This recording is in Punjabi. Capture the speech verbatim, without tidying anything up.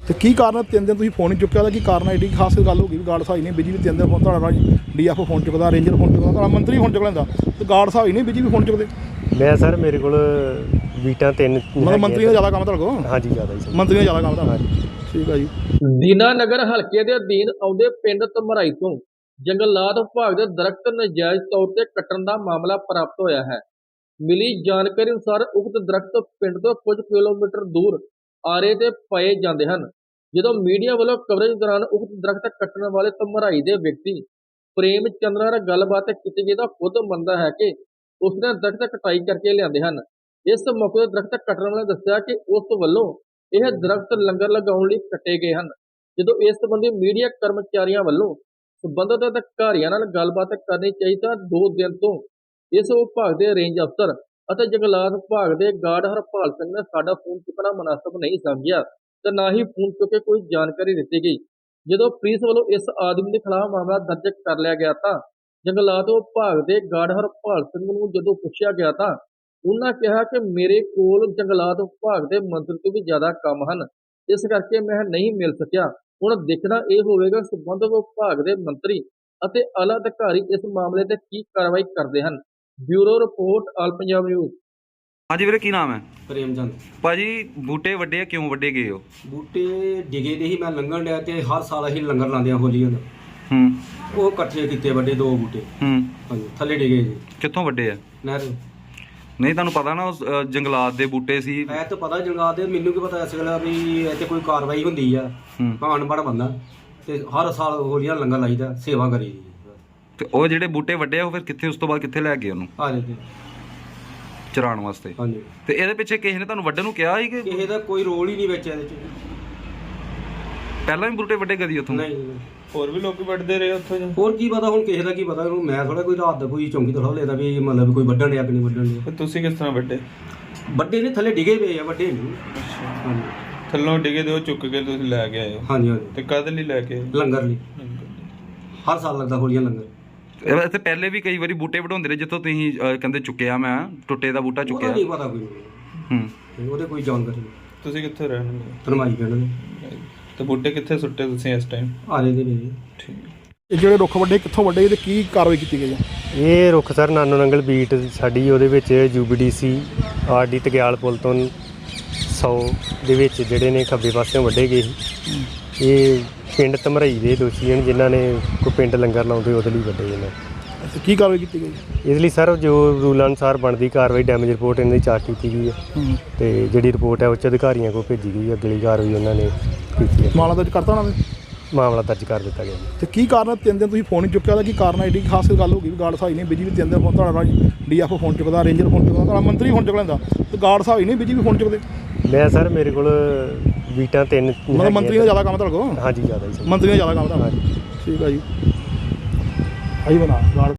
ਤੇ ਕੀ ਕਾਰਨ ਤਿੰਨ ਦਿਨ ਤੁਸੀਂ ਫੋਨ ਨਹੀਂ ਚੁੱਕਿਆ ਉਹਦਾ ਕੀ ਕਾਰਨ ਐਡੀ ਖਾਸ ਗੱਲ ਹੋ ਗਈ ਵੀ ਗਾਰਡ ਸਾਹਿਬ ਨਹੀਂ ਬਿਜੀ ਵੀ ਤਿੰਨ ਦਿਨ ਫੋਨ ਤੁਹਾਡਾ ਡੀ ਐਫ ਫੋਨ ਚੁੱਕਦਾ, ਰੇਂਜਰ ਫੋਨ ਚੁੱਕਦਾ, ਤੁਹਾਡਾ ਮੰਤਰੀ ਫੋਨ ਚੁੱਕ ਲੈਂਦਾ ਤੇ ਗਾਰਡ ਸਾਹਿਬ ਹੀ ਨਹੀਂ ਬਿਜੀ ਵੀ ਫੋਨ ਚੁੱਕਦੇ। ਮੈਂ ਸਰ ਮੇਰੇ ਕੋਲ ਵੀਟਾਂ ਤਿੰਨ ਮਤਲਬ ਮੰਤਰੀ ਦਾ ਜ਼ਿਆਦਾ ਕੰਮ ਤੁਹਾਡੇ ਕੋਲ? ਹਾਂਜੀ ਜ਼ਿਆਦਾ ਹੀ ਮੰਤਰੀ ਦਾ ਜ਼ਿਆਦਾ ਕੰਮ ਤੁਹਾਡਾ। ਠੀਕ ਹੈ ਜੀ। ਦੀਨਾਨਗਰ ਹਲਕੇ ਦੇ ਅਧੀਨ ਆਉਂਦੇ ਪਿੰਡ ਧਮਰਾਈ ਤੋਂ ਜੰਗਲਾਤ ਵਿਭਾਗ ਦੇ ਦਰਖਤ ਨਜਾਇਜ਼ ਤੌਰ ਤੇ ਕੱਟਣ ਦਾ ਮਾਮਲਾ ਪ੍ਰਾਪਤ ਹੋਇਆ ਹੈ। ਮਿਲੀ ਜਾਣਕਾਰੀ ਅਨੁਸਾਰ ਉਕਤ ਦਰਖਤ ਪਿੰਡ ਤੋਂ ਕੁਝ ਕਿਲੋਮੀਟਰ ਦੂਰ ਆਰੇ ਤੇ ਪਏ ਜਾਂਦੇ ਹਨ। ਜਦੋਂ ਮੀਡੀਆ ਵੱਲੋਂ ਕਵਰੇਜ ਦੌਰਾਨ ਉਕਤ ਦਰਖਤ ਕੱਟਣ ਵਾਲੇ ਧਮਰਾਈ ਦੇ ਵਿਅਕਤੀ ਪ੍ਰੇਮ ਚੰਦਰ ਨਾਲ ਗੱਲਬਾਤ ਕੀਤੀ ਗਈ ਤਾਂ ਖੁਦ ਮੰਨਦਾ ਹੈ ਕਿ ਉਸਨੇ ਦਰਖਤ ਕਟਾਈ ਕਰਕੇ ਲਿਆਂਦੇ ਹਨ। ਇਸ ਮੌਕੇ ਤੇ ਦਰਖਤ ਕੱਟਣ ਵਾਲੇ ਦੱਸਿਆ ਕਿ ਉਸ ਵੱਲੋਂ ਇਹ ਦਰਖਤ ਲੰਗਰ ਲਗਾਉਣ ਲਈ ਕੱਟੇ ਗਏ ਹਨ। ਜਦੋਂ ਇਸ ਸੰਬੰਧੀ ਮੀਡੀਆ ਕਰਮਚਾਰੀਆਂ ਵੱਲੋਂ ਸੰਬੰਧਿਤ ਅਧਿਕਾਰੀਆਂ ਨਾਲ ਗੱਲਬਾਤ ਕਰਨੀ ਚਾਹੀ ਤਾਂ ਦੋ ਦਿਨ ਤੋਂ ਇਸ ਵਿਭਾਗ ਦੇ ਰੇਂਜ ਅਫਸਰ ਅਤੇ ਜੰਗਲਾਤ ਵਿਭਾਗ ਦੇ ਗਾਰਡ ਹਰਪਾਲ ਸਿੰਘ ਨੇ ਸਾਡਾ ਫੋਨ ਚੁੱਕਣਾ ਮੁਨਾਸਬ ਨਹੀਂ ਸਮਝਿਆ ਤੇ ਨਾ ਹੀ ਫੋਨ ਚੁੱਕ ਕੇ ਕੋਈ ਜਾਣਕਾਰੀ ਦਿੱਤੀ ਗਈ। ਜਦੋਂ ਪੁਲਿਸ ਵੱਲੋਂ ਇਸ ਆਦਮੀ ਦੇ ਖਿਲਾਫ ਮਾਮਲਾ ਦਰਜ ਕਰ ਲਿਆ ਗਿਆ ਤਾਂ ਜੰਗਲਾਤ ਵਿਭਾਗ ਦੇ ਗਾਰਡ ਹਰਪਾਲ ਸਿੰਘ ਨੂੰ ਜਦੋਂ ਪੁੱਛਿਆ ਗਿਆ ਤਾਂ ਉਹਨਾਂ ਕਿਹਾ ਕਿ ਮੇਰੇ ਕੋਲ ਜੰਗਲਾਤ ਵਿਭਾਗ ਦੇ ਮੰਤਰੀ ਤੋਂ ਵੀ ਜ਼ਿਆਦਾ ਕੰਮ ਹਨ, ਇਸ ਕਰਕੇ ਮੈਂ ਨਹੀਂ ਮਿਲ ਸਕਿਆ। ਹੁਣ ਦੇਖਣਾ ਇਹ ਹੋਵੇਗਾ ਸੰਬੰਧਿਤ ਵਿਭਾਗ ਦੇ ਮੰਤਰੀ ਅਤੇ ਆਲਾ ਅਧਿਕਾਰੀ ਇਸ ਮਾਮਲੇ ਤੇ ਕੀ ਕਾਰਵਾਈ ਕਰਦੇ ਹਨ। Bureau report All Punjab News. ਹਾਂਜੀ ਵੀਰੇ, ਕੀ ਨਾਮ ਹੈ? ਪ੍ਰੇਮ ਚੰਦ। ਭਾਜੀ ਬੂਟੇ ਵੱਡੇ ਆ, ਕਿਉਂ ਵੱਡੇ ਗਏ ਹੋ? ਬੂਟੇ ਡਿਗੇ ਦੇ ਹੀ ਮੈਂ ਲੰਘਣ ਡਿਆ ਤੇ ਹਰ ਸਾਲ ਅਸੀਂ ਲੰਗਰ ਲਾਉਂਦੇ ਆ ਹੋਲੀ ਨੂੰ। ਹੂੰ। ਉਹ ਇਕੱਠੇ ਕੀਤੇ ਵੱਡੇ ਦੋ ਬੂਟੇ। ਹੂੰ। ਹਾਂਜੀ ਥੱਲੇ ਡਿਗੇ ਜੀ। ਕਿੱਥੋਂ ਵੱਡੇ ਆ? ਨਹਿਰ। ਨਹੀਂ ਤੁਹਾਨੂੰ ਪਤਾ ਨਾ ਉਸ ਅ, ਜੰਗਲਾਤ ਦੇ ਬੂਟੇ ਸੀ। ਐ ਤਾਂ ਪਤਾ ਜੰਗਲਾਤ ਦੇ, ਮੈਨੂੰ ਕੀ ਪਤਾ ਇਸ ਵੇਲੇ ਵੀ ਇੱਥੇ ਕੋਈ ਕਾਰਵਾਈ ਹੁੰਦੀ ਆ। ਹੂੰ। ਭਾਣ ਬੜ ਬੰਦਾ ਤੇ ਹਰ ਸਾਲ ਹੋਲੀਆਂ ਲੰਗਰ ਲਾਈਦਾ, ਸੇਵਾ ਕਰੀ ਦੀ। ਤੇ ਉਹ ਜਿਹੜੇ ਬੂਟੇ ਵੱਡੇ ਆ ਉਹ ਫਿਰ ਕਿੱਥੇ, ਉਸ ਤੋਂ ਬਾਅਦ ਕਿੱਥੇ ਲੈ ਗਏ ਉਹਨੂੰ ਆ ਜੇ ਚਰਾਉਣ ਵਾਸਤੇ? ਹਾਂਜੀ। ਤੇ ਇਹਦੇ ਪਿੱਛੇ ਕਿਸੇ ਨੇ ਤੁਹਾਨੂੰ ਵੱਢਣ ਨੂੰ ਕਿਹਾ ਸੀ ਕਿ ਕਿਸੇ ਦਾ ਕੋਈ ਰੋਲ ਹੀ ਨਹੀਂ ਵਿੱਚ ਇਹਦੇ ਚ। ਪਹਿਲਾਂ ਵੀ ਬੂਟੇ ਵੱਡੇ ਕਦੀ ਉੱਥੋਂ? ਨਹੀਂ। ਹੋਰ ਵੀ ਲੋਕੀ ਵੱਢਦੇ ਰਹੇ ਉੱਥੋਂ? ਹੋਰ ਕੀ ਪਤਾ ਹੁਣ ਕਿਸੇ ਦਾ ਕੀ ਪਤਾ ਉਹਨੂੰ। ਮੈਂ ਥੋੜਾ ਕੋਈ ਰਾਤ ਦਾ ਕੋਈ ਚੌਂਕੀ ਥੋੜਾ ਲੈਦਾ ਵੀ ਮਤਲਬ ਕੋਈ ਵੱਢਣ ਡਿਆ ਕਿ ਨਹੀਂ ਵੱਢਣ ਡਿਆ। ਤੁਸੀਂ ਕਿਸ ਤਰ੍ਹਾਂ ਵੱਡੇ? ਵੱਡੇ ਨੇ ਥੱਲੇ ਡਿਗੇ ਪਏ ਆ, ਵੱਡੇ ਨਹੀਂ। ਹਾਂਜੀ। ਥੱਲੋਂ ਡਿਗੇ ਦੇ ਉਹ ਚੁੱਕ ਕੇ ਤੁਸੀਂ ਲੈ ਕੇ ਆਏ ਹੋ? ਹਾਂਜੀ ਹਾਂਜੀ। ਤੇ ਕਦ ਲਈ ਲੈ ਕੇ? ਲੰਗਰ ਲਈ। ਹਰ ਸਾਲ ਲੱਗਦਾ ਹੋਲੀਆਂ ਲੰਗਰ। ਇੱਥੇ ਪਹਿਲੇ ਵੀ ਕਈ ਵਾਰੀ ਬੂਟੇ ਵਢਾਉਂਦੇ ਰਹੇ ਜਿੱਥੋਂ ਤੁਸੀਂ ਅ, ਕਹਿੰਦੇ ਚੁੱਕਿਆ, ਮੈਂ ਟੁੱਟੇ ਦਾ ਬੂਟਾ ਚੁੱਕਿਆ? ਨਹੀਂ ਪਤਾ ਕੋਈ। ਹੂੰ। ਉਹਦੇ ਕੋਈ ਜਾਣਕਾਰੀ ਨਹੀਂ। ਤੁਸੀਂ ਕਿੱਥੇ ਰਹਿਣ? ਧਰਮਾਈ ਪਿੰਡ ਦੇ। ਤੇ ਬੂਟੇ ਕਿੱਥੇ ਸੁੱਟੇ ਤੁਸੀਂ ਇਸ ਟਾਈਮ? ਆਲੇ ਦੇ ਨੇ। ਠੀਕ। ਇਹ ਜਿਹੜੇ ਰੁੱਖ ਵੱਡੇ ਕਿੱਥੋਂ ਵੱਡੇ ਤੇ ਕੀ ਕਾਰਵਾਈ ਕੀਤੀ ਗਈ ਹੈ? ਇਹ ਰੁੱਖ ਸਰ ਨਾਨੋ ਨੰਗਲ ਬੀਟ ਸਾਡੀ ਉਹਦੇ ਵਿੱਚ U B D C R D ਤਗਿਆਲ ਪੁਲ ਤੋਂ ਸੌ ਦੇ ਵਿੱਚ ਜਿਹੜੇ ਨੇ ਖੱਬੇ ਪਾਸਿਓਂ ਵੱਢੇ ਗਏ ਸੀ। ਇਹ ਪਿੰਡ ਧਮਰਾਈ ਦੇ ਦੋਸ਼ੀ ਹਨ ਜਿਨ੍ਹਾਂ ਨੇ ਕੋਈ ਪਿੰਡ ਲੰਗਰ ਲਾਉਂਦੇ ਉਹਦੇ ਲਈ ਵੱਢੇ ਨੇ। ਤੇ ਕੀ ਕਾਰਵਾਈ ਕੀਤੀ ਗਈ? ਇਸ ਲਈ ਸਰ ਜੋ ਰੂਲ ਅਨੁਸਾਰ ਬਣਦੀ ਕਾਰਵਾਈ ਡੈਮੇਜ ਰਿਪੋਰਟ ਇਹਨਾਂ ਦੀ ਚਾਰਜ ਕੀਤੀ ਗਈ ਹੈ ਤੇ ਜਿਹੜੀ ਰਿਪੋਰਟ ਹੈ ਉੱਚ ਅਧਿਕਾਰੀਆਂ ਕੋਲ ਭੇਜੀ ਗਈ। ਅਗਲੀ ਕਾਰਵਾਈ ਉਹਨਾਂ ਨੇ ਕੀਤੀ ਹੈ। ਮਾਮਲਾ ਦਰਜ ਕਰਤਾ ਉਹਨਾਂ ਨੇ? ਮਾਮਲਾ ਦਰਜ ਕਰ ਦਿੱਤਾ ਗਿਆ ਜੀ। ਤੇ ਕੀ ਕਾਰਨ ਤਿੰਨ ਦਿਨ ਤੁਸੀਂ ਫੋਨ ਨਹੀਂ ਚੁੱਕਿਆ ਉਹਦਾ ਕੀ ਕਾਰਨ ਐਡੀ ਖਾਸ ਗੱਲ ਹੋ ਗਈ ਵੀ ਗਾਰਡ ਸਾਹਿਬ ਨਹੀਂ ਬਿਜੀ ਵੀ ਤਿੰਨ ਦਿਨ ਫੋਨ ਤੁਹਾਡਾ ਡੀ ਐਫ ਫੋਨ ਚੁੱਕਦਾ, ਰੇਂਜਰ ਫੋਨ ਚੁੱਕਦਾ, ਤੁਹਾਡਾ ਮੰਤਰੀ ਫੋਨ ਚੁੱਕ ਲੈਂਦਾ ਤੇ ਗਾਰਡ ਸਾਹਿਬ ਹੀ ਨਹੀਂ ਬਿਜੀ ਵੀ ਫੋਨ ਚੁੱਕਦੇ। ਮੈਂ ਸਰ ਮੇਰੇ ਕੋਲ ਵੀਟਾਂ ਤਿੰਨ ਮਤਲਬ ਮੰਤਰੀ ਦਾ ਜ਼ਿਆਦਾ ਕੰਮ ਤੁਹਾਡੇ ਕੋਲ? ਹਾਂਜੀ ਜ਼ਿਆਦਾ ਹੀ। ਮੰਤਰੀ ਦਾ ਜ਼ਿਆਦਾ ਕੰਮ ਤੁਹਾਡਾ। ਠੀਕ ਹੈ ਜੀ। ਆਈ ਬਣਾ ਗਾਰਡ